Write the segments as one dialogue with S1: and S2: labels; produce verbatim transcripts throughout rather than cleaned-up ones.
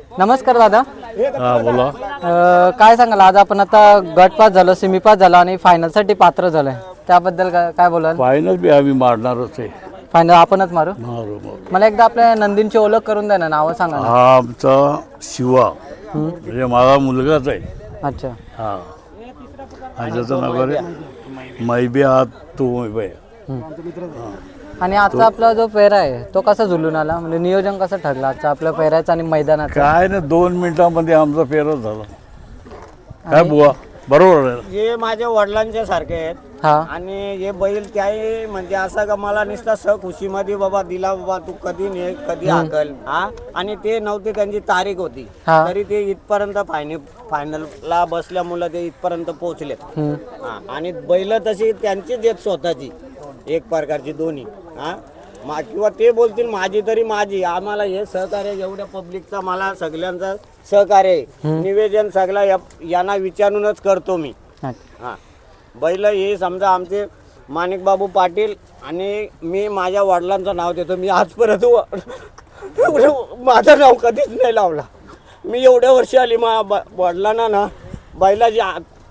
S1: नमस्कार दादा.
S2: हा बोला.
S1: अ, काय सांगाल आज आपण आता गट पास झालो, सेमी पास झालो आणि फायनलसाठी पात्र झालोय, त्याबद्दल काय काय बोलाल?
S2: फायनल बी आम्ही मारणारच आहे.
S1: फायनल आपणच मारू.
S2: मारू मारू.
S1: मला एकदा आपल्या नंदींची ओळख करून द्या ना, नावं सांगा ना.
S2: हा आमचा शिवा म्हणजे माझा मुलगाच आहे.
S1: अच्छा.
S2: हा आणि त्याचं नाव आहे मैबे हा तो मैबे.
S1: आणि आजचा आपला जो पेहरा आहे तो कसा झुलून आला, म्हणजे नियोजन कसं ठरलं आजचं आपल्या पेहऱ्याचं आणि मैदानाचं?
S2: काय ना दोन मिनिटांमध्ये आमचा फेरच झाला. काय बुवा बरोबर आहे.
S3: हे माझ्या वडिलांच्या सारखे आहेत.
S1: हा.
S3: आणि हे बैल त्याही म्हणजे असं का मला नुसता स खुशीमध्ये बाबा दिला बाबा तू कधी ने कधी हाकल हा. आणि ते नव्हते, त्यांची तारीख होती
S1: हा.
S3: तरी ते इथपर्यंत फायनल फायनलला बसल्यामुळे ते इथपर्यंत पोहोचलेत.
S1: हम्म.
S3: हा. आणि बैल तशी त्यांचीच आहेत स्वतःची एक प्रकारची दोन्ही हा. मा किंवा ते बोलतील माझी तरी माझी. आम्हाला हे सहकार्य एवढ्या पब्लिकचा मला सगळ्यांचा सहकार्य आहे. निवेदन सगळं या यांना विचारूनच करतो मी. हा. बैल हे समजा आमचे माणिक बाबू पाटील आणि मी माझ्या वडिलांचं नाव देतो. मी आजपर्यंत माझं नाव कधीच नाही लावला. मी एवढ्या वर्षी आली मा ब वडिलांना ना बैलाची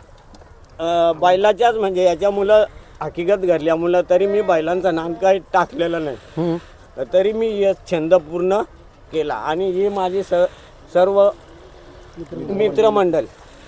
S3: बैलाच्याच म्हणजे याच्या मुलं हकीकत घडल्यामुळं तरी मी बैलांचं नाम काही टाकलेलं नाही. तरी मी हे छंद पूर्ण केला. आणि ही माझी स सर्व मित्रमंडळ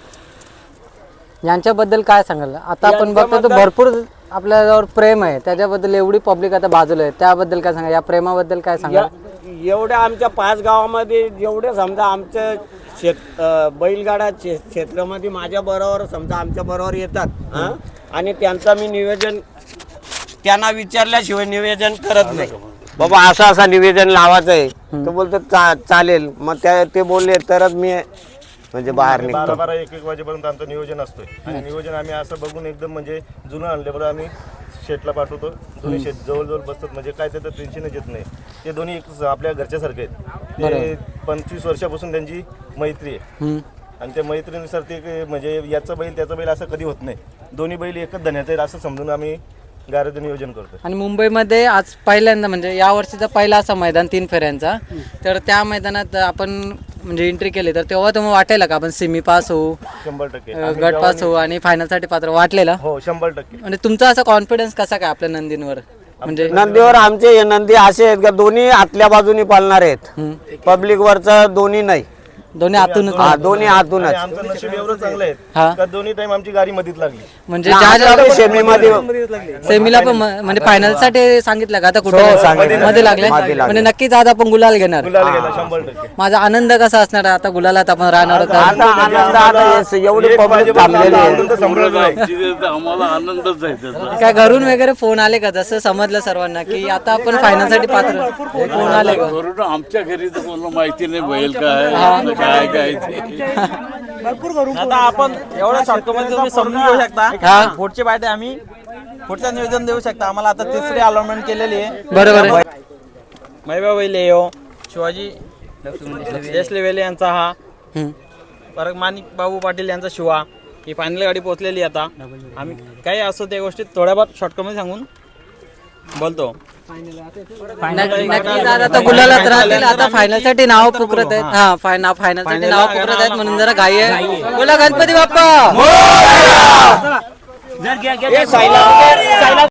S1: यांच्याबद्दल काय सांगाल? आता आपण बघतो तो भरपूर आपल्याजवळ प्रेम आहे, त्याच्याबद्दल एवढी पब्लिक आता बाजूला आहे, त्याबद्दल काय सांगा? या प्रेमाबद्दल काय सांगा?
S3: एवढ्या आमच्या पाच गावामध्ये जेवढे समजा आमचं शेत बैलगाडा क्षे क्षेत्रामध्ये माझ्या बरोबर समजा आमच्या बरोबर येतात हां. आणि त्यांचं मी नियोजन त्यांना विचारल्याशिवाय नियोजन करत नाही. बाबा असं असं निवेदन लावायचं आहे तो बोलतो चा चालेल. मग त्या ते बोलले तरच मी म्हणजे बाहेर निघतो.
S4: बारा बारा एक एक वाजेपर्यंत आमचं नियोजन असतोय. आणि नियोजन आम्ही असं बघून एकदम म्हणजे जुनं आणल्याबरोबर आम्ही शेटला पाठवतो. दोन्ही शेत जवळजवळ बसतात, म्हणजे काय त्याचं टेन्शनच येत नाही. ते दोन्ही एक आपल्या घरच्यासारखे आहेत. ते पंचवीस वर्षापासून त्यांची मैत्री आहे. आणि त्या मैत्रीनुसार ते म्हणजे याचा बैल त्याचा बैल असं कधी होत नाही. दोन्ही बैल एकच धन्याचं आहे असं समजून आम्ही गाड्याचं नियोजन करतो.
S1: आणि मुंबईमध्ये आज पहिल्यांदा म्हणजे या वर्षीचा पहिला असा मैदान तीन फेऱ्यांचा, तर त्या मैदानात आपण म्हणजे एंट्री केली तर तेव्हा तुम्हाला वाटेल का आपण सेमी पास होऊ,
S4: शंभर टक्के
S1: गट पास होऊ आणि फायनलसाठी पात्र वाटलेला?
S4: हो शंभर टक्के.
S1: म्हणजे तुमचा असा कॉन्फिडन्स कसा काय आपल्या नंदींवर? म्हणजे
S3: नंदीवर आमचे हे नंदी असे आहेत का दोन्ही आतल्या बाजूनी पालणार आहेत. पब्लिक वरचा दोन्ही नाही,
S1: दोन्ही आतूनच.
S3: हा दोन्ही आतूनच.
S4: आमचं नशीब एवढं चांगलं
S1: हा.
S4: आहे का दोन्ही टाइम आमची गाडी मधीत लागली.
S1: म्हणजे ज्या
S3: सेमीमध्ये
S1: सेमीला पण म- म्हणजे फायनल साठी सांगितलं का आता
S3: हो,
S1: कुठे
S3: सांगितलं.
S1: मध्ये लागले?
S3: मध्ये लागले.
S1: म्हणजे नक्कीच आज आपण गुलाल घेणार.
S4: गुलाल गेला शंभर टक्के.
S1: माझा आनंद कसा असणार आता गुलालात आपण राहणार होता?
S3: आता आनंद आता हे एवढी पब्लिक थांबलेली आहे.
S4: आनंद समजत नाही.
S2: आम्हाला आनंदच आहे त्याचा.
S1: काय घरून वगैरे फोन आले का, जसं समजलं सर्वांना की आता आपण फायनल साठी पात्र? फोन आले का?
S2: घरून आमच्या घरी तर कोणाला माहिती नाही बैल काय काय काय ते.
S5: आता आपण एवढ्या शॉर्टकमध्ये तुम्ही समजून घेऊ शकता. पुढची पार्टी आम्ही पुढचं नियोजन देऊ शकता. आम्हाला आता तिसरी अलॉटमेंट केलेली आहे.
S1: बरोबर आहे.
S5: मैबा वेले यो शिवाजी देशले वेले यांचा हा,
S1: हम्म.
S5: परत माणिक बाबू पाटील यांचा शिवा. ही फायनल गाडी पोहोचलेली आता. आम्ही काही असो त्या गोष्टी थोड्याफार शॉर्टकमध्ये सांगून बोलतो.
S1: नक्की नक्की दादा आता गुलालात राहतील. आता फायनल साठी नाव पुकारत आहेत. हा फायनल फायनल साठी नाव पुकारत आहेत म्हणून जरा घाई आहे. बोला गणपती बाप्पा.